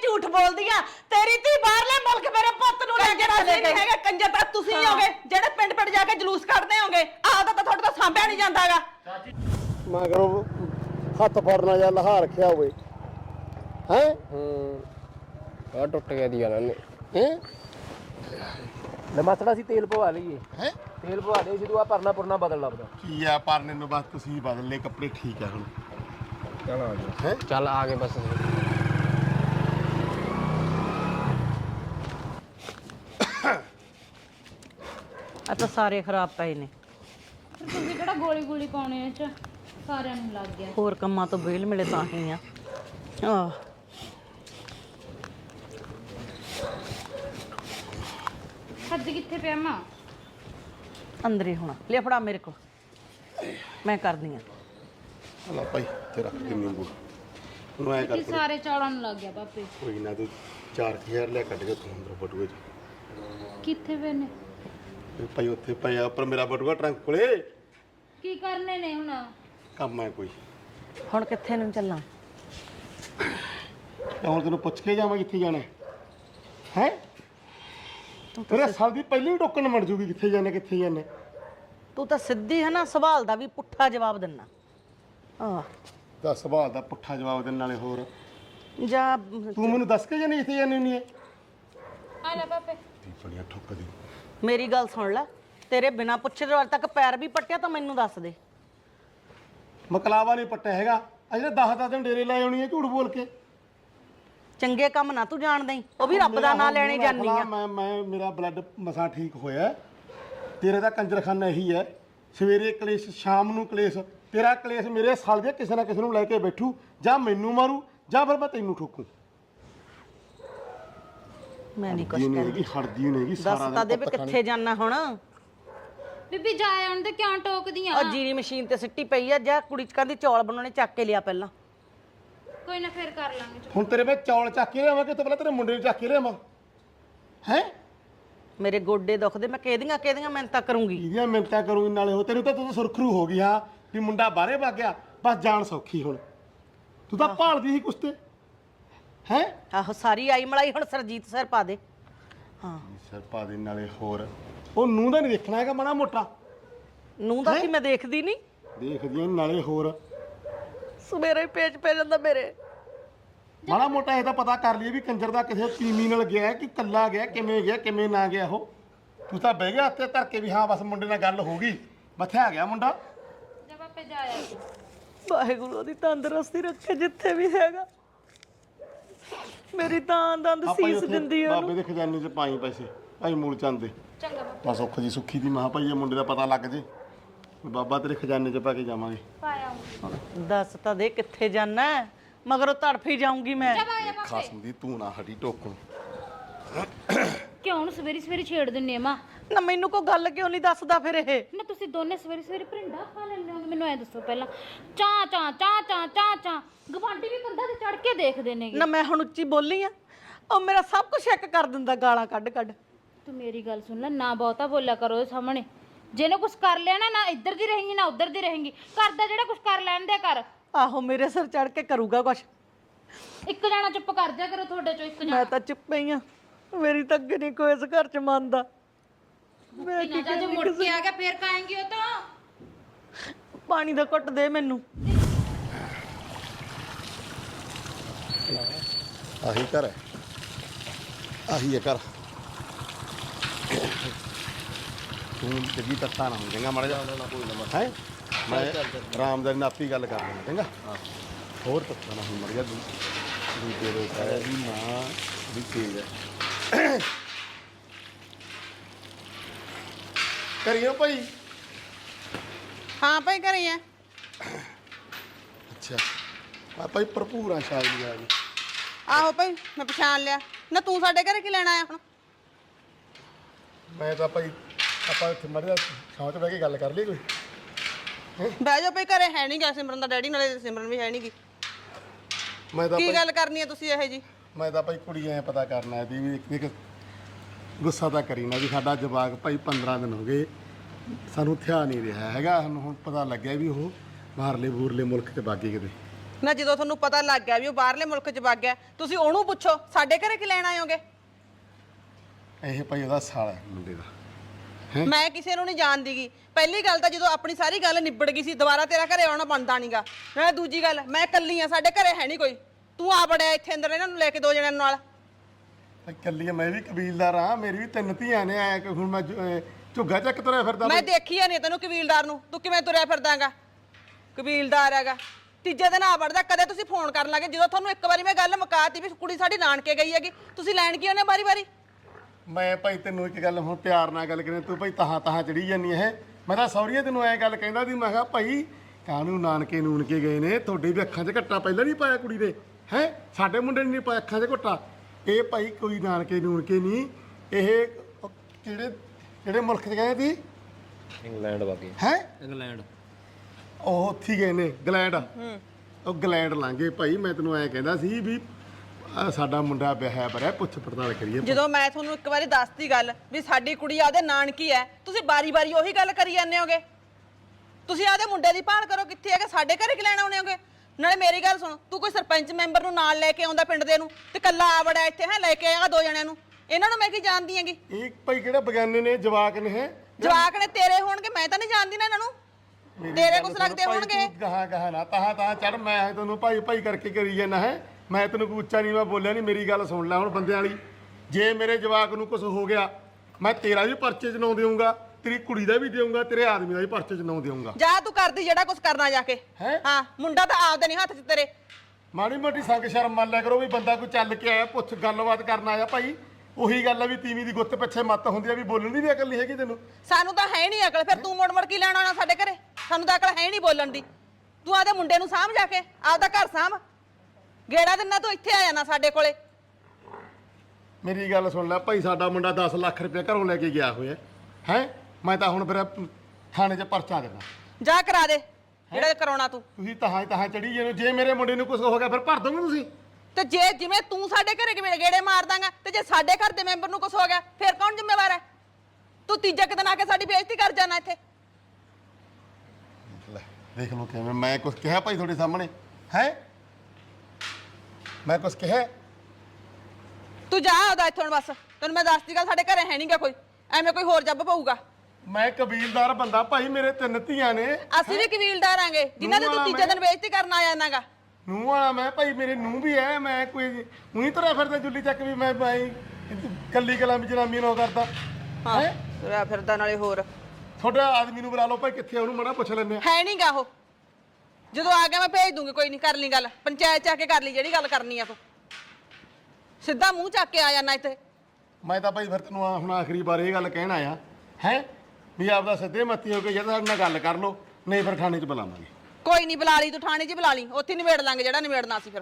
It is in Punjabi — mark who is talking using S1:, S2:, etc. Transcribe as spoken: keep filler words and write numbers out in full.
S1: ਝੂਠ ਬੋਲਦੀ ਆ ਤੇਰੀ ਧੀ ਬਾਹਰਲੇ ਮੁਲਕ ਮੇਰੇ ਪੁੱਤ ਨੂੰ ਲੈ ਕੇ ਚਲੇ ਗਏ ਹੈਗੇ ਕੰਜਰ ਤਾਂ ਤੁਸੀਂ ਹੋਗੇ ਜਿਹੜੇ ਪਿੰਡ ਪਿੰਡ ਜਾ ਕੇ ਜਲੂਸ ਕੱਢਦੇ ਹੋਗੇ ਆਹ ਤਾਂ ਤੁਹਾਡੇ ਤੋਂ ਸਾਂਭਿਆ ਨਹੀਂ ਜਾਂਦਾਗਾ
S2: ਮੈਂ ਕਰੋ ਹੱਥ ਫੜਨਾ ਜਾਂ ਲਹਾ ਰੱਖਿਆ ਹੋਵੇ ਹੈ
S3: ਹੂੰ ਆ ਟੁੱਟ ਗਿਆ ਦੀ ਇਹਨਾਂ ਨੇ
S2: ਹੈ
S3: ਲੈ ਮਸੜਾ ਸੀ ਤੇਲ ਪਵਾ ਲਈਏ
S2: ਹੈ
S3: ਤੇਲ ਪਵਾ ਦੇ ਜਦੋਂ ਆ ਪਰਨਾ ਪੁਰਨਾ ਬਦਲ ਲੱਭਦਾ
S2: ਕੀ ਆ ਪਰਨੇ ਨੂੰ ਬਸ ਤੁਸੀਂ ਬਦਲ ਲੈ ਕੱਪੜੇ ਠੀਕ ਆ ਹੁਣ
S3: ਚੱਲ ਆ ਜਾ
S2: ਹੈ
S3: ਚੱਲ ਆ ਗਏ ਬਸ
S1: ਆ ਤਾਂ ਸਾਰੇ ਖਰਾਬ ਪਏ ਨੇ
S4: ਤੁਸੀਂ ਕਿਹੜਾ ਗੋਲੀ ਗੋਲੀ ਪਾਉਣੇ ਇਹ ਚ ਸਾਰਿਆਂ ਨੂੰ ਲੱਗ ਗਿਆ
S1: ਹੋਰ ਕੰਮਾਂ ਤੋਂ ਵਿਹਲ ਮਿਲੇ ਤਾਂ ਹੀ ਆ ਆਹ
S4: ਹੱਦ ਕਿੱਥੇ ਪਿਆ ਮਾਂ
S1: ਅੰਦਰ ਹੀ ਹੋਣਾ ਲੈ ਫੜਾ ਮੇਰੇ ਕੋਲ ਮੈਂ ਕਰਦੀ ਆ
S2: ਹਲਾ ਭਾਈ ਤੇਰਾ ਨਿੰਬੂ ਉਹਨੂੰ ਐ ਕਰ
S4: ਕਿ ਸਾਰੇ ਚੌਲਾਂ ਨੂੰ ਲੱਗ ਗਿਆ ਪਾਪੇ
S2: ਕੋਈ ਨਾ ਤੂੰ ਚਾਰ ਹਜ਼ਾਰ ਲਿਆ ਕੱਢ ਕੇ ਤੂੰ ਅੰਦਰ ਬਟੂਏ ਚ
S4: ਕਿੱਥੇ ਪਏ ਨੇ
S2: ਤੇ ਭਾਈ ਉੱਥੇ ਪਿਆ ਉੱਪਰ ਮੇਰਾ ਬਟੂਆ ਟਰੰਕ ਕੋਲੇ
S4: ਕੀ ਕਰਨੇ ਨੇ ਹੁਣ
S2: ਕੰਮ ਹੈ ਕੋਈ
S1: ਹੁਣ ਕਿੱਥੇ ਨੂੰ ਚੱਲਾਂ
S2: ਤੇ ਹੁਣ ਤੈਨੂੰ ਪੁੱਛ ਕੇ ਜਾਵਾਂ ਕਿੱਥੇ ਜਾਣਾ ਹੈ ਤੇਰੇ ਸਾਲ ਦੀ ਪਹਿਲੀ ਟੋਕਨ ਮੜ ਜੂਗੀ ਕਿੱਥੇ ਜਾਣਾ ਕਿੱਥੇ ਜਾਣਾ
S1: ਤੂੰ ਤਾਂ ਸਿੱਧੀ ਹੈ ਨਾ ਸਵਾਲ ਦਾ ਵੀ ਪੁੱਠਾ ਜਵਾਬ ਦਿੰਨਾ ਆਹ
S2: ਦਾ ਸਵਾਲ ਦਾ ਪੁੱਠਾ ਜਵਾਬ ਦੇਣ ਵਾਲੇ ਹੋਰ
S1: ਜਾਂ
S2: ਤੂੰ ਮੈਨੂੰ ਦੱਸ ਕੇ ਜਾਣੀ ਕਿੱਥੇ ਜਾਣੀ ਹੁੰਦੀ ਹੈ
S4: ਆ ਲੈ ਪਾਪੇ
S2: ਤੀ ਬੜੀਆਂ ਠੋਕਦੀ
S1: ਮੇਰੀ ਗੱਲ ਸੁਣ ਲੈ ਤੇਰੇ ਬਿਨਾ ਪੁੱਛੇ ਤੋਂ ਅੱਜ ਤੱਕ ਪੈਰ ਵੀ ਪੱਟਿਆ ਤਾਂ ਮੈਨੂੰ ਦੱਸ ਦੇ
S2: ਮਕਲਾਵਾ ਨਹੀਂ ਪੱਟਿਆ ਹੈਗਾ ਆ ਜਿਹੜੇ ਦਸ ਦਸ ਦਿਨ ਡੇਰੇ ਲਾਏ ਹੋਣੀ ਹੈ ਝੂਠ ਬੋਲ ਕੇ
S1: ਚੰਗੇ ਕੰਮ ਨਾ ਤੂੰ ਜਾਣਦਾ ਹੀ ਉਹ ਵੀ ਰੱਬ ਦਾ ਨਾਂ ਲੈਣੇ ਜਾਨੀ ਆ
S2: ਮੈਂ ਮੈਂ ਮੇਰਾ ਬਲੱਡ ਮਸਾਂ ਠੀਕ ਹੋਇਆ ਤੇਰੇ ਦਾ ਕੰਜਰਖਾਨਾ ਇਹੀ ਹੈ ਸਵੇਰੇ ਕਲੇਸ਼ ਸ਼ਾਮ ਨੂੰ ਕਲੇਸ਼ ਤੇਰਾ ਕਲੇਸ਼ ਮੇਰੇ ਸਾਲ ਦੇ ਕਿਸੇ ਨਾ ਕਿਸੇ ਨੂੰ ਲੈ ਕੇ ਬੈਠੂ ਜਾਂ ਮੈਨੂੰ ਮਾਰੂ ਜਾਂ ਫਿਰ ਮੈਂ ਤੈਨੂੰ ਠੋਕੂ
S1: ਮੈਂ ਨਹੀਂ ਕੁਛ
S2: ਨਹੀਂ
S1: ਕਹਿੰਦੀ
S2: ਹੈਗੀ ਹੜਦੀ ਨਹੀਂ ਹੈਗੀ ਸਾਰਾ
S1: ਦੱਸ ਤਾਂ ਦੇ ਵੀ ਕਿੱਥੇ ਜਾਣਾ ਹੁਣ
S4: ਬੀਬੀ ਜਾ ਆਉਣ ਤੇ ਕਿਉਂ ਟੋਕਦੀਆਂ
S1: ਉਹ ਜੀਰੀ ਮਸ਼ੀਨ ਤੇ ਸਿੱਟੀ ਪਈ ਆ ਜਾਂ ਕੁੜੀ ਚ ਕਹਿੰਦੀ ਚੌਲ ਬਣਾਉਣੇ ਚੱਕ ਕੇ ਲਿਆ ਪਹਿਲਾਂ
S4: ਕੋਈ ਨਾ ਫੇਰ ਕਰ ਲਾਂਗੇ
S2: ਹੁਣ ਤੇਰੇ ਮੈਂ ਚੌਲ ਚੱਕ ਕੇ ਲਿਆਵਾਂ ਕਿ ਤੋਂ ਪਹਿਲਾਂ ਤੇਰੇ ਮੁੰਡੇ ਨੂੰ ਚੱਕ ਕੇ ਲਿਆਵਾਂ ਹੈ
S1: ਮੇਰੇ ਗੋਡੇ ਦੁਖਦੇ ਮੈਂ ਕਿਹਦੀਆਂ ਕਿਹਦੀਆਂ ਮਿਹਨਤਾਂ ਕਰੂੰਗੀ
S2: ਇਹਦੀਆਂ ਮਿੰਤਾਂ ਕਰੂੰਗੀ ਨਾਲੇ ਹੋ ਤੈਨੂੰ ਤਾਂ ਤੂੰ ਸੁਰਖਰੂ ਹੋ ਗਈ ਹਾਂ ਵੀ ਮੁੰਡਾ ਬਾਹਰੇ ਵਗ ਗਿਆ ਬਸ ਜਾਣ ਸੌਖੀ ਹੁਣ ਤੂੰ ਤਾਂ ਭਾਲਦੀ ਸੀ ਕੁਛ ਤੇ ਹੈ
S1: ਆਹੋ ਸਾਰੀ ਆਈ ਮਲਾਈ ਹੁਣ ਸਰਜੀਤ ਸਰ ਪਾ ਦੇ ਹਾਂ
S2: ਸਿਰ ਪਾ ਦੇ ਨਾਲੇ ਹੋਰ ਉਹ ਨੂੰ ਦਾ ਨਹੀਂ ਦੇਖਣਾ ਹੈਗਾ ਮਾੜਾ ਮੋਟਾ
S1: ਨੂੰ ਦਾ ਕੀ ਮੈਂ ਦੇਖਦੀ ਨਹੀਂ
S2: ਦੇਖਦੀ ਨਾਲੇ ਹੋਰ
S1: ਸਵੇਰੇ ਪੇਜ ਪੈ ਜਾਂਦਾ ਮੇਰੇ
S2: ਮਾੜਾ ਮੋਟਾ ਇਹ ਤਾਂ ਪਤਾ ਕਰ ਲਈਏ ਵੀ ਕੰਜਰ ਦਾ ਕਿਸੇ ਤੀਮੀ ਨਾਲ ਗਿਆ ਕਿ ਕੱਲਾ ਗਿਆ ਕਿਵੇਂ ਗਿਆ ਕਿਵੇਂ ਨਾ ਗਿਆ ਉਹ ਤੂੰ ਤਾਂ ਬਹਿ ਗਿਆ ਹੱਥੇ ਧਰ ਕੇ ਵੀ ਹਾਂ ਬਸ ਮੁੰਡੇ ਨਾਲ ਗੱਲ ਹੋ ਗਈ ਮੱਥੇ ਆ ਗਿਆ ਮੁੰਡਾ
S4: ਜਾ ਪਾਪੇ ਜਾ ਆਇਆ
S1: ਵਾਹਿਗੁਰੂ ਉਹਦੀ ਤੰਦਰੁਸਤੀ ਰੱਖੇ ਜਿੱਥੇ ਵੀ ਹੈਗਾ ਮੇਰੀ ਤਾਂ ਦੰਦ
S2: ਆਪਾਂ ਹੀ
S1: ਸੀਸ
S2: ਉੱਥੇ
S1: ਦਿੰਦੀ
S2: ਬਾਬੇ
S1: ਉਹਨੂੰ
S2: ਦੇ ਖਜ਼ਾਨੇ 'ਚ ਪਾਈ ਪੈਸੇ ਭਾਈ ਮੂਲ ਚੰਦ ਦੇ
S4: ਚੰਗਾ ਪਾਪੇ
S2: ਬਸ ਔਖ ਜੀ ਸੁੱਖੀ ਦੀ ਮਹਾ ਭਾਈ ਇਹ ਮੁੰਡੇ ਦਾ ਪਤਾ ਲੱਗ ਜੇ ਬਾਬਾ ਤੇਰੇ ਖਜ਼ਾਨੇ 'ਚ ਪਾ ਕੇ ਜਾਵਾਂਗੇ
S4: ਪਾਇਆ
S1: ਦੱਸ ਤਾਂ ਦੇ ਕਿੱਥੇ ਜਾਣਾ ਮਗਰੋਂ ਤੜਫੀ ਜਾਊਂਗੀ ਮੈਂ
S4: ਜਾ ਪਾਇਆ ਪਾਪੇ
S2: ਖਾਸਮ ਦੀ ਤੂੰ ਨਾ ਹਟੀ ਟੋਕੂ
S4: ਕਿਉਂ ਨੂੰ ਸਵੇਰੀ ਸਵੇਰੀ ਛੇੜ ਦਿੰਨੇ ਆ ਮਾਂ
S1: ਨਾ ਮੈਨੂੰ ਕੋਈ ਗੱਲ ਕਿਉਂ ਨਹੀਂ ਦੱਸਦਾ ਫਿਰ ਇਹ
S4: ਨਾ ਤੁਸੀਂ ਦੋਨੇ ਸਵੇਰੇ ਸਵੇਰੇ ਭਰਿੰਡਾ ਖਾ ਲੈਂਦੇ ਹੋ ਮੈਨੂੰ ਐ ਦੱਸੋ ਪਹਿਲਾਂ ਚਾਂ ਚਾਂ ਚਾਂ ਚਾਂ ਚਾਂ ਚਾਂ ਗਵਾਂਢੀ ਵੀ ਕੰਧਾਂ ਤੇ ਚੜ ਕੇ ਦੇਖਦੇ ਨੇਗੇ
S1: ਨਾ ਮੈਂ ਹੁਣ ਉੱਚੀ ਬੋਲੀ ਆ ਉਹ ਮੇਰਾ ਸਭ ਕੁਝ ਚੈੱਕ ਕਰ ਦਿੰਦਾ ਗਾਲਾਂ ਕੱਢ ਕੱਢ
S4: ਤੂੰ ਮੇਰੀ ਗੱਲ ਸੁਣ ਲੈ ਨਾ ਬਹੁਤਾ ਬੋਲਿਆ ਕਰੋ ਉਹਦੇ ਸਾਹਮਣੇ ਜਿਹਨੇ ਕੁਝ ਕਰ ਲਿਆ ਨਾ ਨਾ ਇੱਧਰ ਦੀ ਰਹੇਂਗੀ ਨਾ ਉੱਧਰ ਦੀ ਰਹੇਂਗੀ ਕਰਦਾ ਜਿਹੜਾ ਕੁਝ ਕਰ ਲੈਣ ਦਿਆ ਕਰ
S1: ਆਹੋ ਮੇਰੇ ਸਿਰ ਚੜ ਕੇ ਕਰੂਗਾ ਕੁਛ
S4: ਇੱਕ ਜਾਣਾ ਚੁੱਪ ਕਰ ਜਾ ਕਰੋ ਤੁਹਾਡੇ ਚੋਂ ਇੱਕ ਜਾਣਾ
S1: ਮੈਂ ਤਾਂ ਚੁੱਪ ਹੀ ਆ ਮੇਰੀ ਤਾਂ ਅੱਗੇ ਨਹੀਂ ਕੋਈ ਇਸ ਘਰ ਚ ਮੰਨਦਾ ਮੈਂ ਕੀ
S4: ਜੇ ਮੁੜ ਕੇ ਆ ਗਿਆ ਫੇਰ ਕਾਏਂਗੀ ਉਹ ਤਾਂ
S1: ਪਾਣੀ ਦਾ ਘੁੱਟ ਦੇ ਮੈਨੂੰ
S2: ਆਹੀ ਘਰ ਹੈ ਆਹੀ ਹੈ ਘਰ ਤੂੰ ਜੱਗੀ ਤੱਤਾ ਨਾ ਹੋ ਚੰਗਾ ਮਾੜਾ ਜਾ ਹੈ ਮੈਂ ਰਾਮਦਾਰੀ ਨਾਲ ਆਪੀ ਗੱਲ ਕਰ ਲੈਣਾ ਚੰਗਾ ਹੋਰ ਤੱਤਾ ਨਾ ਹੋ ਮਰ ਗਿਆ ਦੂਜੇ ਦੇ ਕਹਿਆ ਵੀ ਮਾਂ ਵੀ ਤੇਜ਼ ਹੈ ਕਰਿਓ ਭਾਈ
S1: ਹਾਂ ਭਾਈ ਘਰੇ ਆ
S2: ਅੱਛਾ ਆ ਭਾਈ ਭਰਪੂਰ ਆ ਸ਼ਾਇਦ ਆ ਗਈ
S5: ਆਹੋ ਭਾਈ ਮੈਂ ਪਛਾਣ ਲਿਆ ਨਾ ਤੂੰ ਸਾਡੇ ਘਰੇ ਕੀ ਲੈਣ ਆਇਆ ਹੁਣ
S2: ਮੈਂ ਤਾਂ ਭਾਈ ਆਪਾਂ ਇੱਥੇ ਮੜਿਆ ਛਾਂ 'ਚ ਬਹਿ ਕੇ ਗੱਲ ਕਰ ਲਈ ਕੋਈ
S5: ਬਹਿ ਜਾ ਭਾਈ ਘਰੇ ਹੈ ਨਹੀਂ ਗਾ ਸਿਮਰਨ ਦਾ ਡੈਡੀ ਨਾਲੇ ਸਿਮਰਨ ਵੀ ਹੈ ਨਹੀਂ ਗੀ
S2: ਮੈਂ ਤਾਂ
S5: ਕੀ
S2: ਭਾਈ
S5: ਗੱਲ ਕਰਨੀ ਹੈ ਤੁਸੀਂ ਇਹ ਜੀ
S2: ਮੈਂ ਤਾਂ ਭਾਈ ਕੁੜੀ ਐ ਪਤਾ ਕਰਨਾ ਹੈ ਵੀ ਇੱਕ ਇੱਕ ਗੁੱਸਾ ਤਾਂ ਕਰੀ ਨਾ ਵੀ ਸਾਡਾ ਜਵਾਕ ਭਾਈ ਪੰਦਰਾਂ ਦਿਨ ਹੋ ਗਏ ਸਾਨੂੰ ਥਿਆ ਨਹੀਂ ਰਿਹਾ ਹੈਗਾ ਸਾਨੂੰ ਹੁਣ ਪਤਾ ਲੱਗਿਆ ਵੀ ਉਹ ਬਾਹਰਲੇ ਬੂਰਲੇ ਮੁਲਕ 'ਚ ਬਾਗੀ ਕਿਤੇ
S5: ਨਾ ਜਦੋਂ ਤੁਹਾਨੂੰ ਪਤਾ ਲੱਗ ਗਿਆ ਵੀ ਉਹ ਬਾਹਰਲੇ ਮੁਲਕ 'ਚ ਵਗ ਗਿਆ ਤੁਸੀਂ ਉਹਨੂੰ ਪੁੱਛੋ ਸਾਡੇ ਘਰੇ ਕੀ ਲੈਣ ਆਇਓਗੇ?
S2: ਇਹ ਭਾਈ ਉਹਦਾ ਸਾਲਾ ਹੈ ਮੁੰਡੇ ਦਾ।
S5: ਮੈਂ ਕਿਸੇ ਨੂੰ ਨਹੀਂ ਜਾਣਦੀਗੀ। ਪਹਿਲੀ ਗੱਲ ਤਾਂ ਜਦੋਂ ਆਪਣੀ ਸਾਰੀ ਗੱਲ ਨਿਬੜ ਗਈ ਸੀ ਦੁਬਾਰਾ ਤੇਰਾ ਘਰੇ ਆਉਣਾ ਬਣਦਾ ਨਹੀਂਗਾ। ਨਾਲੇ ਦੂਜੀ ਗੱਲ ਮੈਂ ਇਕੱਲੀ ਆ, ਸਾਡੇ ਘਰੇ ਹੈ ਨਹੀਂ ਕੋਈ। ਤੂੰ ਆ ਬੜਿਆ ਇੱਥੇ ਅੰਦਰ ਇਹਨਾਂ ਨੂੰ ਲੈ ਕੇ ਦੋ ਜਣਿਆਂ ਨਾਲ।
S2: ਇਕੱਲੀ ਆ, ਮੈਂ ਵੀ ਕਬੀਲਦਾਰ ਆ, ਮੇਰੀ ਵੀ ਤਿੰਨ ਧੀਆਂ ਨੇ। ਆਇਆ ਕਿ ਹੁਣ ਮੈਂ ਝ- ਅਹ ਝੁੱਗਾ ਚੱਕ ਤੁਰਿਆ ਫਿਰਦਾ
S5: ਮੈਂ ਦੇਖੀ ਆ ਨਹੀਂ ਤੈਨੂੰ ਕਬੀਲਦਾਰ ਨੂੰ, ਤੂੰ ਕਿਵੇਂ ਤੁਰਿਆ ਫਿਰਦਾਗਾ? ਕਬੀਲਦਾਰ ਹੈਗਾ। ਤੀਜੇ ਦਿਨ ਆ ਵੜਦਾ। ਕਦੇ ਤੁਸੀਂ ਫੋਨ ਕਰਨ ਲੱਗੇ ਜਦੋਂ ਤੁਹਾਨੂੰ ਇੱਕ ਵਾਰੀ ਮੈਂ ਗੱਲ ਮੁਕਾਤੀ ਵੀ ਕੁੜੀ ਸਾਡੀ ਨਾਨਕੇ ਗਈ ਹੈਗੀ, ਤੁਸੀਂ ਲੈਣ ਕੀ ਉਹਨੇ ਵਾਰੀ ਵਾਰੀ?
S2: ਮੈਂ ਭਾਈ ਤੈਨੂੰ ਇੱਕ ਗੱਲ ਹੁਣ ਪਿਆਰ ਨਾਲ ਗੱਲ ਕਰੇ, ਤੂੰ ਭਾਈ ਤਾਹਾਂ ਤਾਹਾਂ ਚੜੀ ਜਾਨੀ ਹੈ। ਮੈਂ ਤਾਂ ਸੌਰੀਏ ਤੈਨੂੰ ਐ ਗੱਲ ਕਹਿੰਦਾ ਸੀ, ਮੈਂ ਕਿਹਾ ਭਾਈ ਕਾਹਨੂੰ ਨਾਨਕੇ ਨੂਨਕੇ ਗਏ ਨੇ, ਤੁਹਾਡੇ ਵੀ ਅੱਖਾਂ 'ਚ ਘੱਟਾ ਪਹਿਲਾਂ ਨਹੀਂ ਪਾਇਆ ਕੁੜੀ ਦੇ ਹੈ, ਸਾਡੇ ਮੁੰਡੇ ਨੇ ਨਹੀਂ ਪਾਇਆ ਅੱਖਾਂ 'ਚ ਘੱਟਾ। ਇਹ ਭਾਈ ਕੋਈ ਨਾਨਕੇ ਨੂਨਕੇ ਨਹੀਂ, ਇਹ ਕਿਹੜੇ ਕਿਹੜੇ ਮੁਲਕ 'ਚ ਗਏ ਸੀ?
S3: ਇੰਗਲੈਂਡ ਵਾਗੇ
S2: ਹੈ
S3: ਇੰਗਲੈਂਡ।
S2: ਉਹ ਉੱਥੇ ਗਏ ਨੇ ਗਲੈਂਡ। ਉਹ ਗਲੈਂਡ ਲਾਂਗੇ ਭਾਈ। ਮੈਂ ਤੈਨੂੰ ਐ ਕਹਿੰਦਾ ਸੀ ਵੀ ਆਹ ਸਾਡਾ ਮੁੰਡਾ ਵਿਆਹਿਆ ਬਰਿਆ, ਪੁੱਛ ਪੜਤਾਲ ਕਰੀਏ।
S5: ਜਦੋਂ ਮੈਂ ਤੁਹਾਨੂੰ ਇੱਕ ਵਾਰੀ ਦੱਸਤੀ ਗੱਲ ਵੀ ਸਾਡੀ ਕੁੜੀ ਆਦੇ ਨਾਨਕੀ ਹੈ, ਤੁਸੀਂ ਬਾਰੀ-ਬਾਰੀ ਉਹੀ ਗੱਲ ਕਰੀ ਜਾਂਦੇ ਹੋਗੇ। ਤੁਸੀਂ ਆਦੇ ਮੁੰਡੇ ਦੀ ਭਾਲ ਕਰੋ ਕਿੱਥੇ ਹੈਗਾ, ਸਾਡੇ ਘਰੇ ਕਿ ਲੈਣ ਆਉਣੇ ਹੋਗੇ? ਨਾਲੇ ਮੇਰੀ ਗੱਲ ਸੁਣ, ਤੂੰ ਕੋਈ ਸਰਪੰਚ ਮੈਂਬਰ ਨੂੰ ਨਾਲ ਲੈ ਕੇ ਆਉਂਦਾ ਪਿੰਡ ਦੇ ਨੂੰ ਤੇ ਕੱਲਾ ਆ ਵੜਿਆ ਇੱਥੇ ਹੈ, ਲੈ ਕੇ ਆਏਗਾ ਦੋ ਜਣਿਆਂ ਨੂੰ। ਇਹਨਾਂ ਨੂੰ ਮੈਂ ਕੀ ਜਾਣਦੀ ਹੈਗੀ?
S2: ਇਹ ਭਾਈ ਕਿਹੜਾ ਬਗਾਨੇ ਨੇ, ਜਵਾਕ ਨੇ ਹੈ।
S5: ਜਵਾਕ ਨੇ ਤੇਰੇ ਹੋਣਗੇ, ਮੈਂ ਤਾਂ ਨਹੀਂ ਜਾਣਦੀ ਨਾ ਇਹਨਾਂ ਨੂੰ। ਤੇਰੇ ਕੁਛ ਲੱਗਦੇ ਹੋਣਗੇ।
S2: ਕਹਾ ਕਹਾ ਨਾ ਤਾਹਾਂ ਤਾਹਾਂ ਚੜ, ਮੈਂ ਤੈਨੂੰ ਭਾਈ ਭਾਈ ਕਰਕੇ ਕਰੀ ਜਾਂਦਾ ਹੈ। ਮੈਂ ਤੈਨੂੰ ਕੋਈ ਉੱਚਾ ਨਹੀਂ ਮੈਂ ਬੋਲਿਆ ਨਹੀਂ। ਮੇਰੀ ਗੱਲ ਸੁਣ ਲੈ ਹੁਣ ਬੰਦਿਆਂ ਵਾਲੀ, ਜੇ ਮੇਰੇ ਜਵਾਕ ਨੂੰ ਕੁਝ ਹੋ ਗਿਆ ਮੈਂ ਤੇਰਾ ਵੀ ਪਰਚੇ 'ਚ ਨਾਂ ਦੇਊਂਗਾ, ਤੇਰੀ ਕੁੜੀ ਦਾ ਵੀ ਦੇਊਂਗਾ, ਤੇਰੇ ਆਦਮੀ ਦਾ ਵੀ ਪਰਚੇ 'ਚ ਨਾਂ ਦੇਊਂਗਾ।
S5: ਜਾ ਤੂੰ ਕਰਦੀ ਜਿਹੜਾ ਕੁਛ ਕਰਨਾ ਜਾ ਕੇ।
S2: ਹੈਂ?
S5: ਹਾਂ ਮੁੰਡਾ ਤਾਂ ਆਪਦੇ ਨਹੀਂ ਹੱਥ 'ਚ ਤੇਰੇ।
S2: ਮਾੜੀ ਮੋਟੀ ਸੰਗ ਸ਼ਰਮ ਮੰਨ ਲਿਆ ਕਰੋ ਵੀ ਬੰਦਾ ਕੋਈ ਚੱਲ ਕੇ ਆਇਆ, ਪੁੱਛ ਗੱਲਬਾਤ ਕਰਨ ਆਇਆ ਭਾਈ। ਉਹੀ ਗੱਲ ਆ ਵੀ ਤੀਵੀਂ ਦੀ ਗੁੱਤ ਪਿੱਛੇ ਮੱਤ ਹੁੰਦੀ ਆ ਵੀ ਬੋਲਣ ਦੀ ਵੀ ਅਕਲ ਨਹੀਂ ਹੈਗੀ ਤੈਨੂੰ।
S5: ਸਾਨੂੰ ਤਾਂ ਹੈ ਨਹੀਂ ਅਕਲ, ਫਿਰ ਤੂੰ ਮੁੜ ਮੁੜ ਕੀ ਲੈਣ ਆਉਣਾ ਸਾਡੇ ਘਰੇ? ਸਾਨੂੰ ਤਾਂ ਅਕਲ ਹੈ ਨਹੀਂ ਬੋਲਣ ਦੀ। ਤੂੰ ਆਦੇ ਮੁੰਡੇ ਨੂੰ ਸਾਂਭ ਜਾ ਕੇ, ਆਪਦਾ ਘਰ ਸਾਂਭ। ਗੇੜਾ ਦਿੰਨਾ ਤੂੰ ਇੱਥੇ ਆ ਜਾਣਾ ਸਾਡੇ ਕੋਲੇ।
S2: ਮੇਰੀ ਗੱਲ ਸੁਣ ਲੈ ਭਾਈ, ਸਾਡਾ ਮੁੰਡਾ ਦਸ ਲੱਖ ਰੁਪਏ ਘਰੋਂ ਲੈ ਕੇ ਗਿਆ ਹੋਇਆ ਹੈ। ਮੈਂ ਤਾਂ ਹੁਣ ਫਿਰ ਥਾਣੇ 'ਚ ਪਰਚਾ ਦੇਣਾ।
S5: ਜਾ ਕਰਾ ਦੇ ਜਿਹੜਾ ਕਰਾਉਣਾ ਤੂੰ।
S2: ਤੁਸੀਂ ਤਹਾਂ ਤਹਾਂ ਚੜੀ ਜਾਂਦੇ। ਜੇ ਮੇਰੇ ਮੁੰਡੇ ਨੂੰ ਕੁਝ ਹੋ ਗਿਆ ਫਿਰ ਭਰ ਦੋਗੇ ਤੁਸੀਂ?
S5: ਤੇ ਜੇ ਜਿਵੇਂ ਤੂੰ ਸਾਡੇ ਘਰੇ ਕਿਵੇਂ ਗੇੜੇ ਮਾਰ ਦਾਂਗਾ, ਤੇ ਜੇ ਸਾਡੇ ਘਰ ਦੇ ਮੈਂਬਰ ਨੂੰ ਕੁਝ ਹੋ ਗਿਆ ਫਿਰ ਕੌਣ ਜ਼ਿੰਮੇਵਾਰ ਹੈ? ਤੂੰ ਤੀਜਾ ਕਿਤੇ ਆ ਕੇ ਸਾਡੀ ਬੇਇੱਜ਼ਤੀ ਕਰ ਜਾਣਾ ਇੱਥੇ।
S2: ਲੈ ਦੇਖ ਲਓ ਕਿਵੇਂ ਮੈਂ ਕੁਝ ਕਿਹਾ ਭਾਈ ਤੁਹਾਡੇ ਸਾਹਮਣੇ ਹੈ? ਮੈਂ ਕੁਝ ਕਿਹਾ?
S5: ਤੂੰ ਜਾ ਉਹਦਾ ਇੱਥੋਂ ਹੁਣ ਬਸ। ਤੈਨੂੰ ਮੈਂ ਦੱਸਦੀ ਗੱਲ, ਸਾਡੇ ਘਰੇ ਹੈ ਨਹੀਂਗਾ ਕੋਈ, ਐਵੇਂ ਕੋਈ ਹੋਰ ਜੱਬ ਪਊਗਾ।
S2: ਮੈਂ ਕਬੀਲਦਾਰ ਬੰਦਾ ਭਾਈ, ਮੇਰੇ ਤਿੰਨ ਧੀਆਂ ਨੇ।
S5: ਅਸੀਂ ਵੀ ਕਬੀਲਦਾਰ ਆਂਗੇ ਜਿਨ੍ਹਾਂ ਦੇ ਤੂੰ ਤੀਜੇ ਦਿਨ ਬੇਇੱਜ਼ਤੀ ਕਰਨ ਆ ਜਾਂਦਾਗਾ।
S2: ਨੂੰਹ ਵਾਲਾ ਮੈਂ ਭਾਈ, ਮੇਰੇ ਨੂੰਹ ਵੀ ਹੈ। ਮੈਂ ਕੋਈ ਉਹੀ ਤੁਰਿਆ ਫਿਰਦਾ ਜੁੱਲੀ ਚੱਕ ਵੀ ਮੈਂ ਭਾਈ ਕੱਲੀ ਕਲਾਂ ਵਿੱਚ ਜਨਾਮੀ ਨਾ ਕਰਦਾ ਹੈ।
S5: ਤੁਰਿਆ ਫਿਰਦਾ ਨਾਲੇ ਹੋਰ।
S2: ਤੁਹਾਡਾ ਆਦਮੀ ਨੂੰ ਬੁਲਾ ਲਓ ਭਾਈ, ਕਿੱਥੇ ਉਹਨੂੰ ਮੜਾ ਪੁੱਛ ਲੈਂਦੇ ਆ।
S5: ਹੈ ਨਹੀਂਗਾ ਉਹ। ਜਦੋਂ ਆ ਗਿਆ ਮੈਂ ਭੇਜ ਦੂੰਗੀ, ਕੋਈ ਨਹੀਂ, ਕਰ ਲਈ ਗੱਲ। ਪੰਚਾਇਤ 'ਚ ਆ ਕੇ ਕਰ ਲਈ ਜਿਹੜੀ ਗੱਲ ਕਰਨੀ ਆ ਤੂੰ। ਸਿੱਧਾ ਮੂੰਹ ਚੱਕ ਕੇ ਆ ਜਾਣਾ ਇੱਥੇ।
S2: ਮੈਂ ਤਾਂ ਭਾਈ ਫਿਰ ਤੈਨੂੰ ਆ- ਹੁਣ ਆਖਰੀ ਵਾਰ ਇਹ ਗੱਲ ਕਹਿਣ ਆਇਆ ਹੈ ਵੀ ਆਪਦਾ ਸਿੱਧੇ ਮੱਤੀ ਹੋ ਕੇ ਜਾਂ ਤਾਂ ਸਾਡੇ ਨਾਲ ਗੱਲ ਕਰ ਲਓ, ਨਹੀਂ ਫਿਰ ਥਾਣੇ 'ਚ ਬੁਲਾਵਾਂਗੇ।
S5: ਕੋਈ ਨਹੀਂ, ਬੁਲਾ ਲਈ ਤੂੰ ਥਾਣੇ 'ਚ ਬੁਲਾ ਲਈ, ਉੱਥੇ ਨਿਬੇੜ ਲਾਂਗੇ ਜਿਹੜਾ ਨਿਬੇੜਨਾ ਸੀ ਫਿਰ।